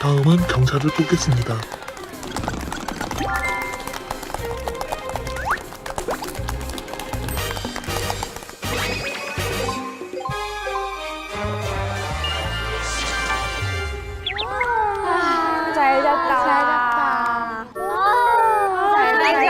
다음은 경찰을 뽑겠습니다. 잘 잤다. 잘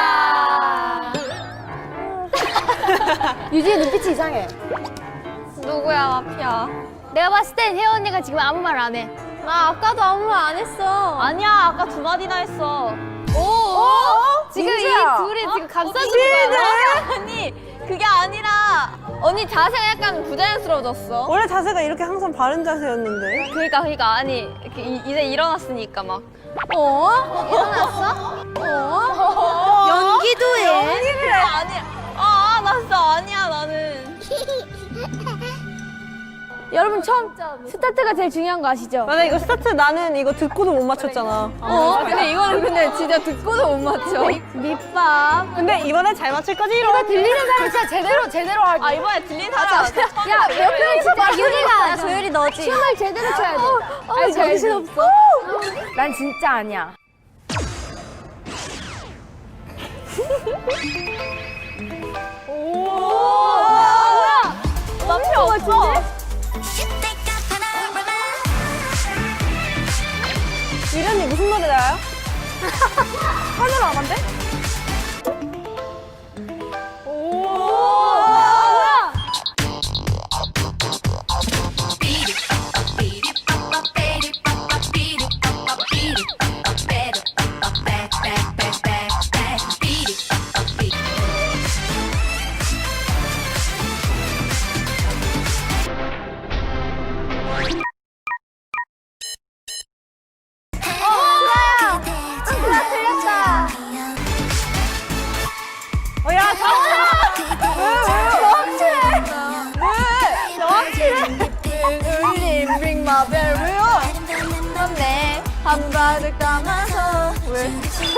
잤다. 유진이 눈빛이 이상해. 누구야 마피아? 내가 봤을 땐 혜원 언니가 지금 아무 말 안 해. 나 아까도 아무 말 안 했어. 아니야, 아까 두 마디나 했어. 오? 지금 민지야. 이 둘이 지금 감싸주는 거야. 아니, 그게 아니라 언니 자세가 약간 부자연스러워졌어. 원래 자세가 이렇게 항상 바른 자세였는데. 그러니까 아니 이렇게 이제 일어났으니까 막. 일어났어? 연기도 해. 연기를 아니야. 나 진짜 아니야 나는. 여러분 처음 스타트가 제일 중요한 거 아시죠? 맞아, 이거 스타트 나는 이거 듣고도 못 맞췄잖아. 근데 이거는 근데 진짜 듣고도 못 맞춰. 밑밥. 근데 이번엔 잘 맞출 거지, 이거 이런. 들리는 사람 진짜 제대로 하기. 아 이번에 들린 사람. 야, 옆에 진짜 유리가 조율이 너지. 춤을 제대로 춰야 돼. 아니, 정신없어. 난 진짜 아니야. 남편 없어. 유련이 무슨 노래 나요? 하늘 안 한대? 야, ring my bell 왜요? 그런데 한바를 감아서 왜?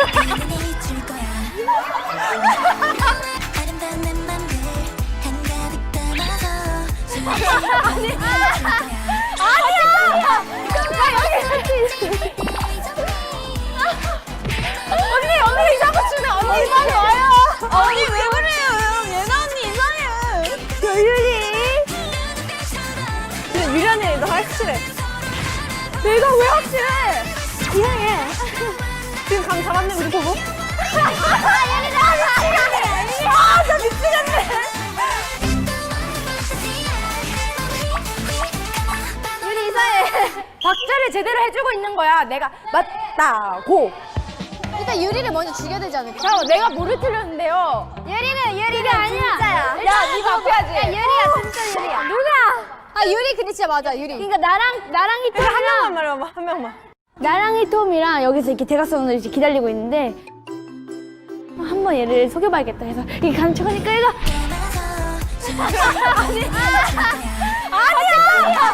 언니 이상한 추네. 언니 이상해 와요. 언니 왜 그래요? 예나 언니 이상해. 근데 유련이 너 확실해. 내가 왜 확실해? 이상해. 지금 감 잡았네, 우리 보고. 나 미치겠네. 유리 이사해. 박자를 제대로 해주고 있는 거야. 내가 맞다고. 일단 유리를 먼저 죽여야 되지 않을까? 잠깐만, 내가 뭐를 틀렸는데요? 유리가 아니야. 진짜야. 야, 네가 앞에야지. 야, 유리야, 진짜 유리야. 누가? 아, 유리 근데 진짜 맞아, 유리. 그러니까 나랑 그래, 한 명만 말해봐, 한 명만. 나랑이 톰이랑 여기서 이렇게 대각선으로 이렇게 기다리고 있는데 한번 얘를 속여봐야겠다. 그래서 이게 가는 척하니까 얘가 아니야.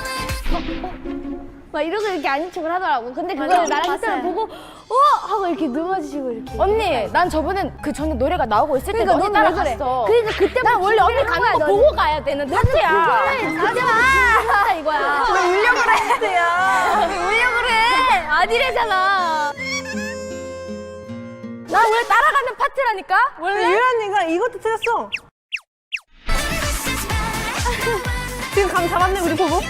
막 이러고 이렇게 아닌 척을 하더라고. 근데 그걸 나랑 히트를 보고 하고 이렇게 넘어지시고 이렇게. 언니, 난 저번엔 그 전에 노래가 나오고 있을 때 언니 따라갔어. 그러니까 그때 난 원래 언니 가는 거 보고 가야 되는 하트야. 하지 마. 이거야. 왜 울려고 그래, 야. 왜 울려 그래? 아니래잖아. 나 원래 따라가는 파트라니까? 원래? 유련이가 이것도 틀렸어. 지금 감 잡았네, 우리 보고.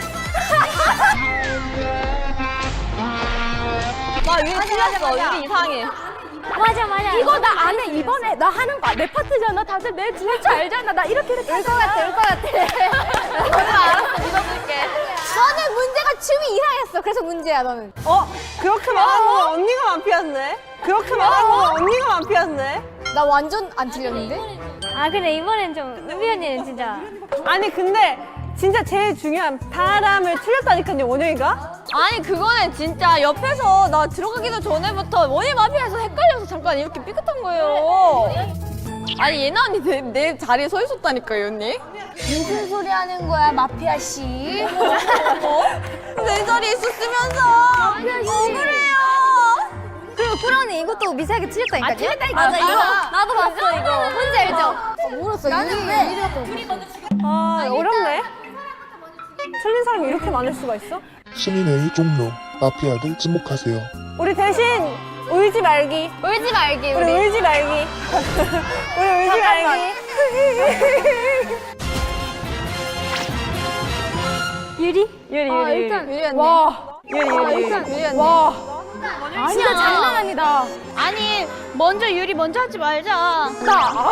나 유리 틀렸어. 유리 이상해. 맞아. 이거 나 안 해. 이번에 나 하는 거야. 내 파트잖아. 다들 내 줄 줄 알잖아. 나 이렇게 울 것 같아. 알았어. 믿어줄게. 너는 문제가 춤이 이상했어. 그래서 문제야, 너는. 그렇게 말한 거 언니가 마피아인데? 그렇게 말한 거 언니가 마피아인데? 나 완전 안 틀렸는데? 아 근데 이번엔 좀 은비 언니는 진짜 아니, 근데 진짜 제일 중요한 바람을 틀렸다니까요, 원영이가? 아니 그거는 진짜 옆에서 나 들어가기도 전에부터 원희 마피아에서 헷갈려서 잠깐 이렇게 삐끗한 거예요. 아니 예나 언니 내 자리에 서 있었다니까요 언니. 무슨 소리 하는 거야, 마피아 씨? 내 자리에 있었으면서 억울해요. 그리고 꾸러니 이것도 미세하게 틀렸다니까요? 틀렸다니까. 맞아 이거 나도 봤어 이거. 뭔지 알죠? 울었어. 나는 왜? 아, 어렵네. 틀린 사람이 이렇게 많을 수가 있어? 시민의 종로. 마피아를 지목하세요. 우리 대신 울지 말기. 울지 말기 우리 울지 말기. 우리 울지 말기. 유리? 유리 아, 유리 일단 유리 언니. 유리 유리 유리 언니. 와. 진짜 장난 아니다. 아니 먼저 유리 먼저 하지 말자. 아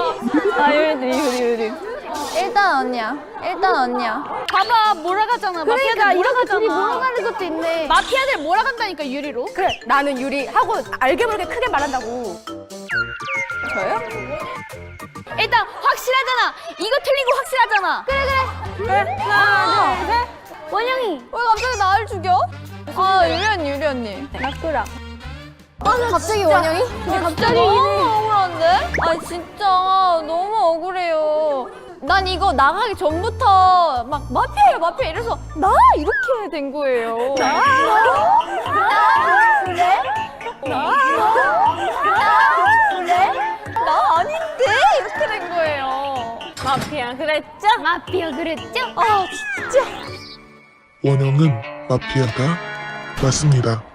유리 일단 언니야. 봐봐 몰아가잖아. 그러니까 이렇게 둘이 몰아가잖아. 몰아가는 것도 있네. 마피아들 몰아간다니까 유리로. 그래, 나는 유리 하고 알게 모르게 크게 말한다고. 저요? 일단 확실하잖아. 이거 틀린 거 확실하잖아. 그래 하나 둘 셋. 원영이. 왜 갑자기 나를 죽여? 아 유리 언니. 낙구라. 갑자기 원영이? 근데 갑자기 너무 억울한데? 아 진짜 너무 억울해요. 난 이거 나가기 전부터 막 마피아 이래서 나 이렇게 된 거예요. 나 아닌데 이렇게 된 거예요. 마피아 그랬죠? 마피아 그랬죠? 아 진짜. 원영은 마피아가 맞습니다.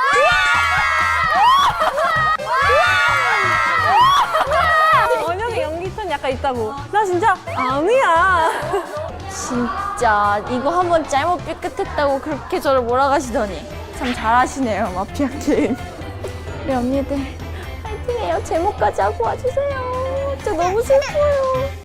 원영이 연기톤 약간 있다고. 나 진짜 아니야. 진짜 이거 한번 잘못 삐끗했다고 그렇게 저를 몰아가시더니 참 잘하시네요 마피아 게임. 우리 언니들 파이팅해요. 제목까지 하고 와주세요. 진짜 너무 슬퍼요.